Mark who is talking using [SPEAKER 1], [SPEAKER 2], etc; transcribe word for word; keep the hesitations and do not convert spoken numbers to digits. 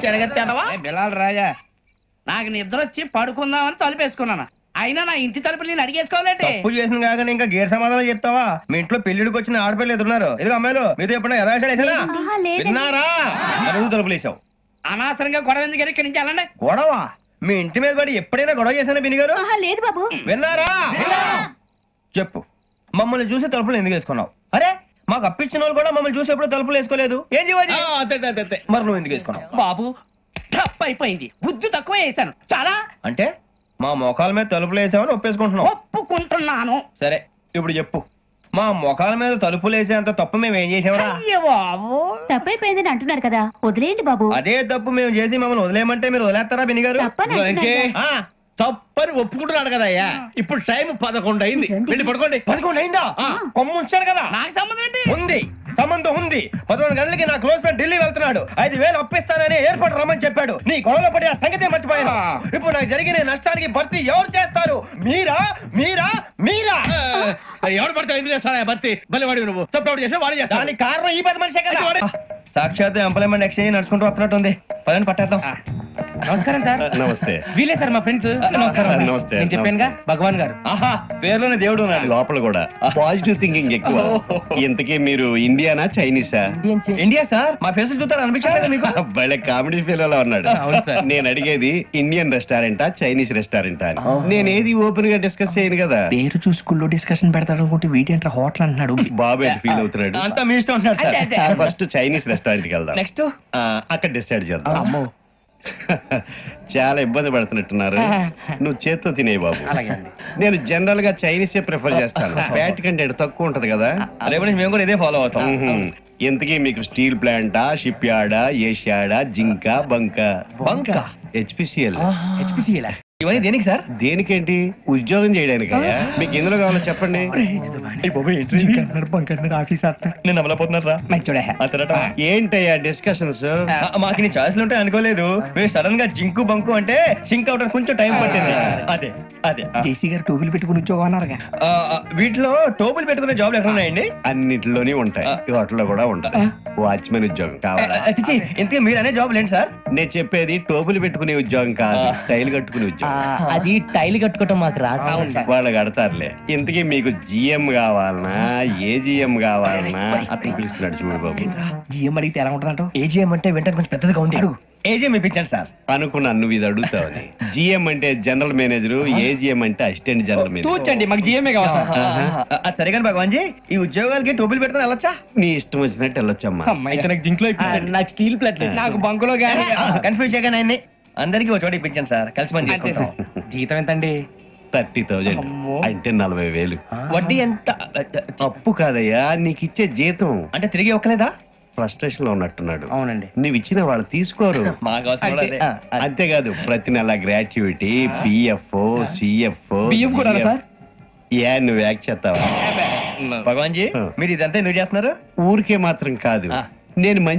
[SPEAKER 1] బిలాల్ రాజా నాకు నిద్ర వచ్చి పడుకుందామని తలుపేసుకున్నాను. అయినా నా ఇంటి తలుపులు నేను అడిగేసుకోవాలంటే
[SPEAKER 2] తప్పు చేసిన కాక ఇంకా గేర్ సమాధానం చెప్తావా? మీ ఇంట్లో పెళ్లిడికి వచ్చిన ఆడపిల్లలు ఎదురున్నారు. ఇదిగో అమ్మాయిలు మీతో ఎప్పుడైనా యథాశాలు వేసానా? విన్నారా? అడుగు తలుపులు వేసావు.
[SPEAKER 1] అనవసరంగా గొడవ ఎందుకు ఇక్కడి నుంచి వెళ్ళండి.
[SPEAKER 2] గొడవ? మీ ఇంటి మీద పడి ఎప్పుడైనా గొడవ చేశానా బిని గారు?
[SPEAKER 3] లేదు బాబు.
[SPEAKER 2] విన్నారా? చెప్పు, మమ్మల్ని చూసి తలుపులు ఎందుకు వేసుకున్నావు? అరే మాకు అప్పించిన వాళ్ళు కూడా మమ్మల్ని చూసి ఎప్పుడు తలుపులు వేసుకోలేదు. ఏం చేయాలి? మరి నువ్వు ఎందుకు వేసుకున్నావు?
[SPEAKER 1] బాబు తప్పు అయిపోయింది, బుద్ధి తక్కువ వేసాను చాలా.
[SPEAKER 2] అంటే మా మోకాల మీద తలుపులు వేసామని ఒప్పేసుకుంటున్నావు?
[SPEAKER 1] ఒప్పుకుంటున్నాను.
[SPEAKER 2] సరే ఇప్పుడు చెప్పు, మా మొఖాల మీద తలుపులు వేసేంత తప్పు మేము ఏం చేసామరా?
[SPEAKER 1] అయ్యో బాబు,
[SPEAKER 3] తప్పైపోయిందని అంటున్నారు కదా, వదిలేయండి బాబు.
[SPEAKER 2] అదే తప్పు మేము చేసి మమ్మల్ని వదిలేయమంటే మీరు వదిలేస్తారా బిని గారు?
[SPEAKER 3] తప్పని అంటున్నారు కదా.
[SPEAKER 2] ఆ,
[SPEAKER 4] తప్పని ఒప్పుకుంటున్నాడు కదా అయ్యా. ఇప్పుడు టైం పదకొండు అయింది, వెళ్ళి పడుకోండి.
[SPEAKER 2] పదకొండు అయిందా? కొమ్ము ఉంచాడు కదా.
[SPEAKER 1] నాకు సంబంధం ఏంటి?
[SPEAKER 2] ఉంది, సంబంధం ఉంది. పదకొండు గంటలకి నా క్లోజ్ ఫ్రెండ్ ఢిల్లీ వెళ్తున్నాడు. ఐదు వేలు అప్పిస్తానని ఎయిర్పోర్ట్ రమ్మని చెప్పాడు. నీ గొడవలో పడి ఆ సంగతి మర్చిపోయాను. ఇప్పుడు నాకు జరిగిన నష్టానికి భర్తీ ఎవరు చేస్తారు? మీరా మీరా మీరా?
[SPEAKER 4] ఎవడు పడితే ఎందుకు చేస్తాడా భర్తీ? మళ్ళీ వాడి నువ్వు తప్పు ఎవడు చేసా వాడు చేస్తా.
[SPEAKER 2] దానికి కారణం ఈ పది మనిషే కదా. సాక్షాత్ ఎంప్లాయ్మెంట్ ఎక్స్చేంజ్ నడుచుకుంటూ వస్తున్నట్టు ఉంది. పదని పట్టేద్దాం.
[SPEAKER 1] నమస్కారం సార్.
[SPEAKER 5] నమస్తే.
[SPEAKER 1] వీలే సార్ మా ఫ్రెండ్స్. నమస్కారం.
[SPEAKER 5] నమస్తే.
[SPEAKER 1] నేను చెప్పానుగా భగవాన్ గారు.
[SPEAKER 2] ఆహా, పేర్లోనే దేవుడు ఉన్నాడు.
[SPEAKER 5] లోపల కూడా పాజిటివ్ థింకింగ్ ఎక్కువ. ఇంతకీ మీరు ఇండియానా చైనీసా?
[SPEAKER 2] India sir. మా ఫేస్ చూస్తారు అనిపించలేదు మీకు?
[SPEAKER 5] భలే కామెడీ ఫీల్ అలా ఉన్నాడు. నేను అడిగేది ఇండియన్ రెస్టారెంటా చైనీస్ రెస్టారెంటా అని. నేను ఏది ఓపెన్ గా డిస్కస్ చేయను కదా.
[SPEAKER 1] పేరు చూసుకుల్లో డిస్కషన్ పెడతాడు అనుకుంటే వీటేంట్రా హోటల్ అంటున్నాడు.
[SPEAKER 5] బాబు ఎట్ ఫీల్ అవుతున్నాడు.
[SPEAKER 2] అంతా మీ ఇష్టం ఉంటున్నాడు సార్.
[SPEAKER 5] ఫస్ట్ చైనీస్ రెస్టారెంట్ కి వెళ్దాం.
[SPEAKER 2] నెక్స్ట్
[SPEAKER 5] అక్కడ డిసైడ్ చేద్దాం. చాలా ఇబ్బంది పడుతున్నట్టున్నారు. నువ్వు చేత్తో తినే బాబు. నేను జనరల్ గా చైనీసే ప్రిఫర్ చేస్తాను. ఫ్యాట్ కంటెంట్ తక్కువ ఉంటది కదా.
[SPEAKER 2] రేపు నుంచి మేము కూడా ఇదే ఫాలో అవుతాం.
[SPEAKER 5] ఎంతకీ మీకు స్టీల్ ప్లాంటా, షిప్ యార్డా, ఏషియాడా, జింక, బంక?
[SPEAKER 2] బంక,
[SPEAKER 5] హెచ్పిసిఎల్.
[SPEAKER 1] హెచ్పిసిఎల్
[SPEAKER 2] ఇవన్నీ దేనికి సార్?
[SPEAKER 5] దేనికేంటి? ఉద్యోగం చేయడానికి. మీకు ఎందులో కావాలో చెప్పండి.
[SPEAKER 2] నేను అమలపోతున్నారా?
[SPEAKER 5] ఏంటయ్యా డిస్కషన్స్?
[SPEAKER 2] మాకు నీ ఛాయిస్లు ఉంటాయి అనుకోలేదు. మీరు సడన్ గా జింకు బంకు అంటే సింక్ అవడానికి కొంచెం టైం పట్టింది. అదే అదే
[SPEAKER 1] జేసీ గారు టోపీలు పెట్టుకుని ఉద్యోగం అన్నారుగా.
[SPEAKER 2] ఆ, ఆ, వీటిలో టోపులు పెట్టుకునే జాబ్లు ఎక్కడ ఉన్నాయండి?
[SPEAKER 5] అన్నిటిలోనే ఉంటాయి, వాటిలో కూడా ఉంటాయి. వాచ్మెన్ ఉద్యోగం కావాలా?
[SPEAKER 2] అతిచి ఇంతకీ మీరు అనే జాబ్ లేండి సార్?
[SPEAKER 5] నేను చెప్పేది టోపులు పెట్టుకునే ఉద్యోగం కాదు, టైల్ కట్టుకునే ఉద్యోగం.
[SPEAKER 1] అది టైల్ కట్టుకోవటం మాకు రాదు.
[SPEAKER 5] వాళ్ళు కడతారులే. ఇంతకీ మీకు జిఎం కావాలనా, ఏ జిఎం కావాలనా? అట్లా పిలుస్తున్నాడు చూడు బాబు.
[SPEAKER 1] జిఎం అడిగితే ఎలా ఉంటుందంట?
[SPEAKER 2] ఏజీఎం అంటే వెంటనే కొంచెం పెద్దదిగా ఉంది. అడుగు. ఏజీఎం ఇప్పించండి సార్.
[SPEAKER 5] అనుకున్నాను నువ్వు ఇది అడుగుతావని. జిఎం అంటే జనరల్ మేనేజర్, ఏజిఎం అంటే అసిస్టెంట్ జనరల్ మేనేజర్.
[SPEAKER 1] తూచండి, మాకు జిఎంఏ కావాలి సార్.
[SPEAKER 2] అది సరే కానీ భగవాన్ జీ, ఈ ఉద్యోగాలకి టోపులు పెట్టుకుని వెళ్ళొచ్చా?
[SPEAKER 5] నీ ఇష్టం వచ్చినట్టు వెళ్ళొచ్చమ్మా.
[SPEAKER 1] నాకు స్టీల్ ప్లేట్, నాకు బంకులో గానీ
[SPEAKER 2] కన్ఫ్యూజ్ చేయగానే ఆయన్ని అందరికీ ఒక చోట ఇప్పించండి సార్. కలిసి పని చేసుకుంటాం.
[SPEAKER 1] జీతం ఎంతండి?
[SPEAKER 5] థర్టీ థౌజండ్ అంటే నలభై వేలు.
[SPEAKER 2] వడ్డీ ఎంత?
[SPEAKER 5] అప్పు కాదయ్యా, నీకు ఇచ్చే జీతం.
[SPEAKER 2] అంటే తిరిగి ఒక్కలేదా?
[SPEAKER 5] ఫ్రస్ట్రేషన్ లో ఉన్నట్టున్నాడు.
[SPEAKER 1] అవునండి.
[SPEAKER 5] నువ్వు ఇచ్చిన వాళ్ళు తీసుకోరు.
[SPEAKER 2] మాకు అవసరం కూడా అదే.
[SPEAKER 5] అంతేకాదు ప్రతి నెల గ్రాట్యుటీ, పిఎఫ్, సిఎఫ్.
[SPEAKER 1] బియ్యం కూడా సార్?
[SPEAKER 5] ఏ నువ్వు యాక్ట్ చేస్తావా?
[SPEAKER 2] భగవాన్ జీ, మీరు ఇదంతా ఎందుకు చేస్తున్నారు?
[SPEAKER 5] ఊరికే మాత్రం కాదు, నేను